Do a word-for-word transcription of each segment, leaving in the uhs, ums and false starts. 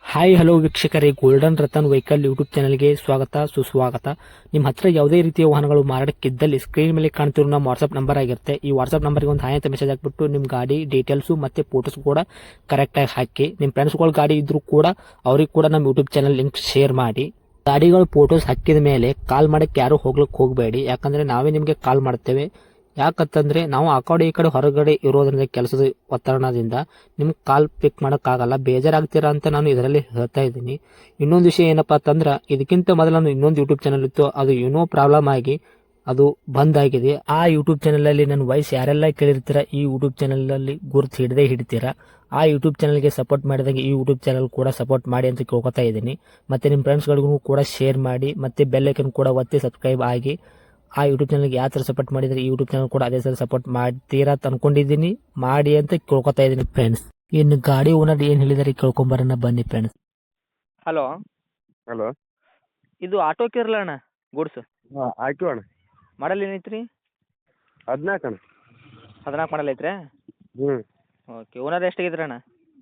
Hi hello ವೀಕ್ಷಕರೇ, golden Ratan vehicle YouTube ಚಾನಲ್ಗೆ ಸ್ವಾಗತ ಸುಸ್ವಾಗತ. ನಿಮ್ಮ ಹತ್ರ ಯಾವುದೇ ರೀತಿಯ ವಾಹನಗಳು ಮಾರಾಟಕ್ಕಿದ್ದಲ್ಲಿ ಸ್ಕ್ರೀನ್ ಮೇಲೆ ಕಾಣ್ತಿರೋ ನಮ್ಮ ವಾಟ್ಸ್ಆಪ್ ನಂಬರ್ ಆಗಿರುತ್ತೆ. ಈ ವಾಟ್ಸ್ಆಪ್ ನಂಬರ್ಗೆ ಒಂದು ಹಾಯ್ ಅಂತ ಮೆಸೇಜ್ ಹಾಕ್ಬಿಟ್ಟು ನಿಮ್ಮ ಗಾಡಿ ಡೀಟೇಲ್ಸು ಮತ್ತೆ ಫೋಟೋಸ್ ಕೂಡ ಕರೆಕ್ಟಾಗಿ ಹಾಕಿ. ನಿಮ್ಮ ಫ್ರೆಂಡ್ಸ್ಗಳ ಗಾಡಿ ಇದ್ರೂ ಕೂಡ ಅವ್ರಿಗೆ ಕೂಡ ನಮ್ಮ ಯೂಟ್ಯೂಬ್ ಚಾನಲ್ ಲಿಂಕ್ ಶೇರ್ ಮಾಡಿ. ಗಾಡಿಗಳು ಫೋಟೋಸ್ ಹಾಕಿದ ಮೇಲೆ ಕಾಲ್ ಮಾಡಕ್ಕೆ ಯಾರು ಹೋಗ್ಲಿಕ್ಕೆ ಹೋಗಬೇಡಿ, ಯಾಕಂದ್ರೆ ನಾವೇ ನಿಮಗೆ ಕಾಲ್ ಮಾಡ್ತೇವೆ. ಯಾಕಂತಂದ್ರೆ ನಾವು ಆ ಕಡೆ ಈ ಕಡೆ ಹೊರಗಡೆ ಇರೋದ್ರಿಂದ ಕೆಲಸದ ಒತ್ತಡದಿಂದ ನಿಮ್ಗೆ ಕಾಲ್ ಪಿಕ್ ಮಾಡೋಕ್ಕಾಗಲ್ಲ, ಬೇಜಾರಾಗ್ತೀರಾ ಅಂತ ನಾನು ಇದರಲ್ಲಿ ಹೇಳ್ತಾ ಇದ್ದೀನಿ. ಇನ್ನೊಂದು ವಿಷಯ ಏನಪ್ಪಾ ಅಂತಂದ್ರೆ, ಇದಕ್ಕಿಂತ ಮೊದಲು ನಾನು ಇನ್ನೊಂದು ಯೂಟ್ಯೂಬ್ ಚಾನಲ್ ಇತ್ತು, ಅದು ಏನೋ ಪ್ರಾಬ್ಲಮ್ ಆಗಿ ಅದು ಬಂದ್ ಆಗಿದೆ. ಆ ಯೂಟ್ಯೂಬ್ ಚಾನಲ್ ಅಲ್ಲಿ ನನ್ನ ವಾಯ್ಸ್ ಯಾರೆಲ್ಲ ಕೇಳಿರ್ತೀರಾ, ಈ ಯೂಟ್ಯೂಬ್ ಚಾನಲ್ ಅಲ್ಲಿ ಗುರುತು ಹಿಡದೆ ಹಿಡಿತೀರಾ. ಆ ಯೂಟ್ಯೂಬ್ ಚಾನಲ್ಗೆ ಸಪೋರ್ಟ್ ಮಾಡಿದಾಗ ಈ ಯೂಟ್ಯೂಬ್ ಚಾನಲ್ ಕೂಡ ಸಪೋರ್ಟ್ ಮಾಡಿ ಅಂತ ಕೇಳ್ಕೊತಾ ಇದ್ದೀನಿ. ಮತ್ತೆ ನಿಮ್ಮ ಫ್ರೆಂಡ್ಸ್ಗಳಿಗೂ ಕೂಡ ಶೇರ್ ಮಾಡಿ, ಮತ್ತೆ ಬೆಲ್ ಐಕನ್ ಕೂಡ ಒತ್ತಿ ಸಬ್ಸ್ಕ್ರೈಬ್ ಆಗಿ. ಆ ಯೂಟ್ಯೂಬ್ ಚಾನಲ್ಗೆ ಯಾವ ಥರ ಸಪೋರ್ಟ್ ಮಾಡಿದರೆ ಈ ಯೂಟ್ಯೂಬ್ ಚಾನಲ್ ಕೂಡ ಅದೇ ಥರ ಸಪೋರ್ಟ್ ಮಾಡ್ತೀರಾ ಅಂತ ಅನ್ಕೊಂಡಿದ್ದೀನಿ. ಮಾಡಿ ಅಂತ ಕೇಳ್ಕೊತಾ ಇದ್ದೀನಿ ಫ್ರೆಂಡ್ಸ್. ಇನ್ನು ಗಾಡಿ ಓನರ್ ಏನು ಹೇಳಿದಾರೆ ಕೇಳ್ಕೊಂಬರೋಣ ಬನ್ನಿ ಫ್ರೆಂಡ್ಸ್. Hello, hello. ಇದು ಆಟೋ ಕೇರಳ ಅಣ್ಣ, ಗೂಡ್ಸ್ ಹಾಂ ಆಯ್ತು ಅಣ್ಣ. ಮಾಡಲ್ ಏನೈತ್ರಿ? ಹದಿನಾಲ್ಕು ಅಣ್ಣ. ಹದಿನಾಲ್ಕು ಮಾಡಲ್ ಐತ್ರಿ? ಹ್ಞೂ. ಓಕೆ. ಓನರ್ ಎಷ್ಟಾಗಿದ್ರಿ ಅಣ್ಣ?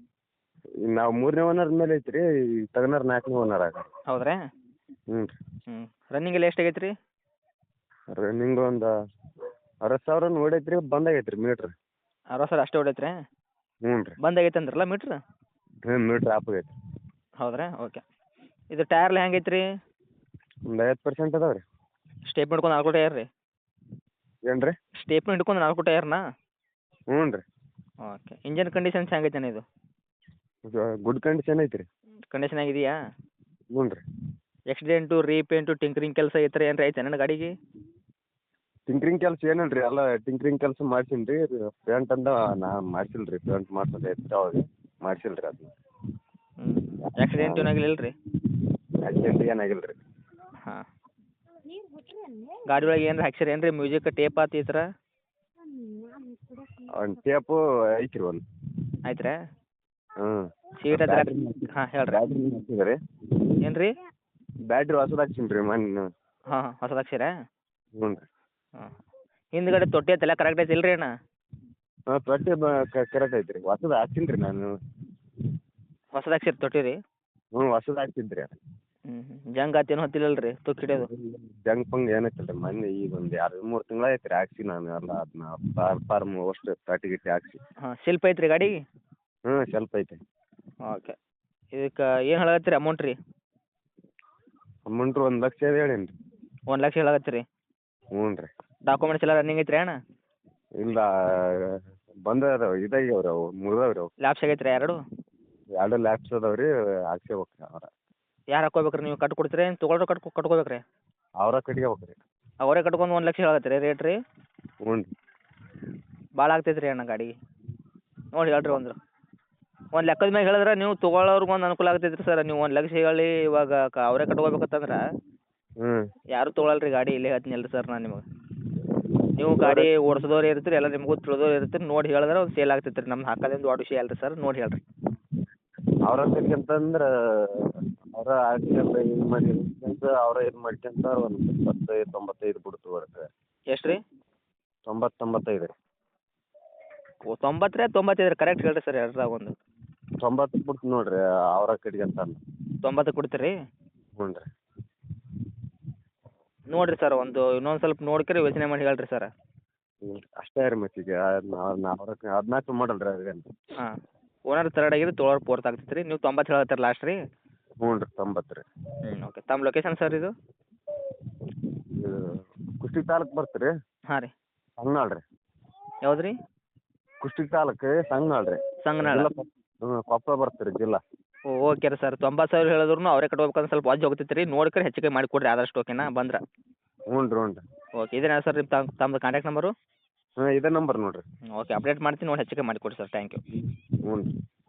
ನಾವು ಮೂರನೇ ಓನರ್ ಮೇಲೆ ಐತ್ರಿ, ತಗನಾರ ನಾಲ್ಕನೇ ಓನರ್ ಆಗ. ಹೌದ್ರಾ? ಹ್ಞೂ ರೀ. ಹ್ಞೂ. ರನ್ನಿಂಗ್ ಎಲ್ಲ ಎಷ್ಟಾಗೈತೆ ರೀ? ರನ್ನಿಂಗ್ ಒಂದು ಅರವತ್ತು ಸಾವಿರ ನೋಡೈತೆ ರೀ, ಬಂದಾಗೈತೆ ರೀ ಮೀಟ್ರ್. ಅರವತ್ತು ಸಾವಿರ ಅಷ್ಟೇ ಹೊಡೈತ್ರಿ? ಹ್ಞೂ ರೀ. ಬಂದಾಗೈತೆ ಅಂದ್ರಲ್ಲ ಮೀಟ್ರ್? ಹ್ಞೂ ಮೀಟ್ರ್ ಆಪ್ ಆಗೈತೆ. ಹೌದ್ರಾ? ಓಕೆ. ಇದು ಟೈರ್ ಎಲ್ಲ ಹೆಂಗೈತೆ ರೀ? ಒಂದು ಐವತ್ತು ಪರ್ಸೆಂಟ್ ಅದಾವೆ ರೀ. ಸ್ಟೇಪ್ ಹಿಡ್ಕೊಂಡು ನಾಲ್ಕು ಟೈರ್ ರೀ? ಏನು ರೀ? ಸ್ಟೇಪ್ ಹಿಡ್ಕೊಂಡು ನಾಲ್ಕು ಟೈರ್ನಾ? ಹ್ಞೂ ರೀ. ಓಕೆ. ಇಂಜನ್ ಕಂಡೀಷನ್ಸ್ ಹೆಂಗೈತೆ ಅಣ್ಣ ಇದು? ಗುಡ್ ಕಂಡೀಷನ್ ಐತೆ ರೀ. ಕಂಡೀಷನ್ ಆಗಿದೆಯಾ? ಹ್ಞೂ ರೀ. ಆಕ್ಸಿಡೆಂಟು, ರೀಪೇಂಟು, ಟಿಂಕರಿಂಗ್ ಕೆಲಸ ಈ ಥರ ಏನಾರ ಐತೆ ನನ್ನ ಗಾಡಿಗೆ? ಟಿಂಕ್ರಿಂಗ್ ಕೆಲಸ ಏನಿಲ್ಲ ರೀ, ಎಲ್ಲ ಟಿಂಕ್ರಿಂಗ್ ಕೆಲಸ ಮಾಡ್ಸೀನಿ ರೀ. ಪೇಂಟ್ ಅಂದ ನಾ ಮಾಡ್ಸಿಲ್ಲ ರೀ, ಪೇಂಟ್ ಮಾಡ್ಸೋದು ಐತೆ ಅವಾಗ ಮಾಡ್ಸಿಲ್ಲ ರೀ ಅದನ್ನ. ಹ್ಞೂ. ಆಕ್ಸಿಡೆಂಟ್ ಏನಾಗಿಲ್ಲ ರೀ? ಆಕ್ಸಿಡೆಂಟ್ ಏನಾಗಿಲ್ಲ ರೀ. ಹಾಂ. ಗಾಡಿ ಒಳಗೆ ಏನಾರ ಹಾಕ್ಸಿರಿ ಏನು ರೀ, ಮ್ಯೂಸಿಕ್ ಟೇಪ್ ಆತು ಈ ಥರ? ಒಂದು ಟೇಪು ಐತೆ ರೀ ಒಂದು. ಆಯ್ತು ರೀ? ಹ್ಞೂ. ಸೀಟ್ ಹತ್ರ ಹಾಂ ಹೇಳ್ರಿ. ಬ್ಯಾಟ್ರಿ ಹಾಕ್ಸಿದೆ ರೀ. ಏನು ರೀ? ಬ್ಯಾಟ್ರಿ ಹೊಸದು ಹಾಕ್ಸೀನಿ ರೀ ಮೊನ್ನೆ. ಹಾಂ ಹಾಂ ಹೊಸದು ಹಾಕ್ಸಿರಾ? ಹ್ಞೂ ರೀ. ಹಾಂ. ಹಿಂದ್ಗಡೆ ತೊಟ್ಟಿ ಐತಲ್ಲ ಕರೆಕ್ಟ್ ಐತಿ ಇಲ್ರಿ ಅಣ್ಣ? ಹಾಂ ತೊಟ್ಟಿ ಬ ಕರೆಕ್ಟ್ ಐತೆ ರೀ, ಹೊಸದು ಹಾಕ್ಸೀನಿ ರೀ ನಾನು. ಹೊಸದು ಹಾಕ್ಸಿರಿ ತೊಟ್ಟಿ ರೀ? ಹ್ಞೂ ಹೊಸದು ಹಾಕ್ಸಿದ್ದು ರೀ. ಹ್ಞೂ ಹ್ಞೂ. ಜಂಗ್ ಆತೇನು ಹೊತ್ತಿಲ್ಲ ರೀ ತುಕ್ಕು ಹಿಡಿಯೋದು? ಜಂಗ್ ಪಂಗ್ ಏನೈತಿಲ್ಲ ರೀ, ಮೊನ್ನೆ ಈಗ ಒಂದು ಎರಡು ಮೂರು ತಿಂಗಳು ಆಯ್ತು ರೀ ಹಾಕ್ಸಿ ನಾನು ಎಲ್ಲ ಅದನ್ನ ಪಾರ್ ಪಾರ್ಮ್ ಅಷ್ಟು ತಟ್ಟಿ ಗಿಟ್ಟಿ ಹಾಕ್ಸಿ. ಹಾಂ. ಶಿಲ್ಪ ಐತ್ರಿ ಗಾಡಿಗೆ? ಹ್ಞೂ ಸ್ವಲ್ಪ ಐತೆ. ಓಕೆ. ಇದಕ್ಕೆ ಏನು ಹೇಳಕತ್ತೀರಿ ಅಮೌಂಟ್ ರೀ? ಅಮೌಂಟ್ ಒಂದು ಲಕ್ಷ ಹೇಳೀನಿ ರೀ. ಒಂದು ಲಕ್ಷ ಹೇಳಕತ್ತೀರಿ? ಹ್ಞೂ ರೀ. ಡಾಕ್ಯುಮೆಂಟ್ಸ್ ಎಲ್ಲ ರನ್ನಿಂಗ್ ಐತ್ರಿ ಅಣ್ಣ? ಇಲ್ಲ ಬಂದದಾವೆ, ಇದಾಗ್ಯಾವ ರೀ, ಅವು ಮುರಿದಾವೆ ರೀ. ಅವು ಲ್ಯಾಪ್ಸ್ ಆಗೈತ್ರಿ ಎರಡು? ಎರಡು ಲ್ಯಾಪ್ಸ್ ಅದಾವೆ ರೀ, ಹಾಕ್ಸ್ಕೋಬೇಕು ರೀ ಅವ್ರ. ಯಾರು ಹಾಕ್ಕೋಬೇಕು ರೀ, ನೀವು ಕಟ್ಟಿ ಕೊಡ್ತೀರಿ ಏನು ತೊಗೊಳ್ರಿ ಕಟ್ಕೊ ಕಟ್ಕೋಬೇಕು ರೀ? ಅವರ ಕಟ್ಕೋಬೇಕು ರೀ. ಅವರೇ ಕಟ್ಕೊಂಡು ಒಂದು ಲಕ್ಷ ಹೇಳಕತ್ತೀರಿ ರೇಟ್ ರೀ? ಹ್ಞೂ ರೀ. ಭಾಳ ಆಗ್ತೈತೆ ರೀ ಅಣ್ಣ ಗಾಡಿಗೆ. ನೋಡಿ ಹೇಳ್ರಿ ಒಂದು ಒಂದು ಲೆಕ್ಕದ ಮ್ಯಾಗ ಹೇಳಿದ್ರೆ ನೀವು ತೊಗೊಳೋರ್ಗೆ ಒಂದು ಅನುಕೂಲ ಆಗ್ತೈತೆ ರೀ ಸರ್. ನೀವು ಒಂದು ಲಕ್ಷ ಹೇಳಿ ಇವಾಗ ಕ ಅವರೇ ಕಟ್ಕೋಬೇಕಂತಂದ್ರೆ ಹ್ಞೂ. ಯಾರೂ ತೊಗೊಳಲ್ಲ ರೀ ಗಾಡಿ. ಇಲ್ಲೇ ಹೇಳ್ತೀನಿ ಅಲ್ರಿ ಸರ್ ನಾನು ನಿಮಗೆ. ನೀವು ಗಾಡಿ ಓಡಿಸೋದವ್ರು ಇರ್ತೀರಿ, ಎಲ್ಲ ನಿಮಗೂ ತಿಳಿದವ್ರು ಇರ್ತೀರಿ, ನೋಡಿ ಹೇಳಿದ್ರೆ ಒಂದು ಸೇಲ್ ಆಗ್ತೈತೆ ರೀ. ನಮ್ದು ಹಾಕೋದೇನು ದೊಡ್ಡ ವಿಷಯ ಅಲ್ಲ ರೀ ಸರ್, ನೋಡಿ ಹೇಳ್ರಿ. ಅವ್ರ ಅಂತಂದ್ರೆ ಅವರ ಆಕ್ಸಿಡೆಂಟ್ ಇದು ಮಾಡಿ ಅಂತ ಅವರ ಇದು ಮಾಡ್ಕೊಂತ ಒಂದು ಇಪ್ಪತ್ತೈದು ತೊಂಬತ್ತೈದು ಬಿಡ್ತು ಬರುತ್ತೆ. ಎಷ್ಟು ರೀ? ತೊಂಬತ್ತು ತೊಂಬತ್ತೈದು ರೀ. ಓ ತೊಂಬತ್ತು ರೀ ತೊಂಬತ್ತೈದು ರೀ? ಕರೆಕ್ಟ್ ಹೇಳ್ರಿ ಸರ್ ಎರಡ್ರಾಗ ಒಂದು. ತೊಂಬತ್ತು ಬಿಡ್ತು ನೋಡಿರಿ ಅವರ ಕಡೆಗೆ ಅಂತ. ತೊಂಬತ್ತು ಕೊಡ್ತೀರಿ? ಹ್ಞೂ ರೀ. ನೋಡಿರಿ ಸರ್, ಒಂದು ಇನ್ನೊಂದು ಸ್ವಲ್ಪ ನೋಡ್ಕರಿ ಯೋಚನೆ ಮಾಡಿ ಹೇಳ್ರಿ ಸರ್. ಹ್ಞೂ ಅಷ್ಟೇ ರೀ ಮತ್ತೀಗ ಅವ್ರ ಹದಿನಾಲ್ಕು ಮಾಡಲ್ ರೀ ಅದೇನು. ಹಾಂ. ಓನರ್ ತರ್ಡ್ ಆಗಿದ್ದು ತೊಗೊಳೋರು ಫೋರ್ತ್ ಆಗ್ತೈತೆ ರೀ. ನೀವು ತೊಂಬತ್ತು ಹೇಳತ್ತೀರಿ ಲಾಸ್ಟ್ ರೀ? ಹ್ಞೂ ರೀ ತೊಂಬತ್ತು ರೀ. ಹ್ಞೂ. ಓಕೆ. ತಮ್ಮ ಲೊಕೇಶನ್ ಸರ್ ಇದು? ಇದು ಕುಷ್ಟಗಿ ತಾಲೂಕು ಬರ್ತೀರಿ ರೀ. ಹಾಂ ರೀ. ಸಂಗನಾಳ್ ರೀ. ಯಾವ್ದು ರೀ? ಕುಷ್ಟಗಿ ತಾಲೂಕು ಸಂಗನಾಳ್ ರೀ. ಸಂಗನಾಳ? ಹ್ಞೂ ಕೊಪ್ಪಳ ಬರ್ತೀರಿ ಜಿಲ್ಲಾ. ಓ ಓಕೆ ರೀ ಸರ್. ತೊಂಬತ್ತು ಸಾವಿರ ಹೇಳಿದ್ರು ಅವರೇ ಕಟ್ಬೇಕಂದ್ರೆ ಸ್ವಲ್ಪ ವಾಜ್ ಹೋಗ್ತೈತೆ ರೀ. ನೋಡ್ಕರಿ ಹೆಚ್ಚಿಗೆ ಮಾಡಿ ಕೊಡಿರಿ ಆದಷ್ಟು, ಓಕೆನಾ ಬಂದ್ರೆ? ಹ್ಞೂ ರೀ ಹ್ಞೂ ರೀ. ಓಕೆ. ಇದೇನಾ ಸರ್ ನಿಮ್ಮ ತಮ್ಮ ತಮ್ಮದು ಕಾಂಟ್ಯಾಕ್ಟ್ ನಂಬರು? ಹಾಂ ಇದೇ ನಂಬರ್ ನೋಡಿರಿ. ಓಕೆ. ಅಪ್ಡೇಟ್ ಮಾಡ್ತೀನಿ, ನೋಡಿ ಹೆಚ್ಚಿಗೆ ಮಾಡಿ ಕೊಡಿ ಸರ್. Thank you. ಹ್ಞೂ ರೀ.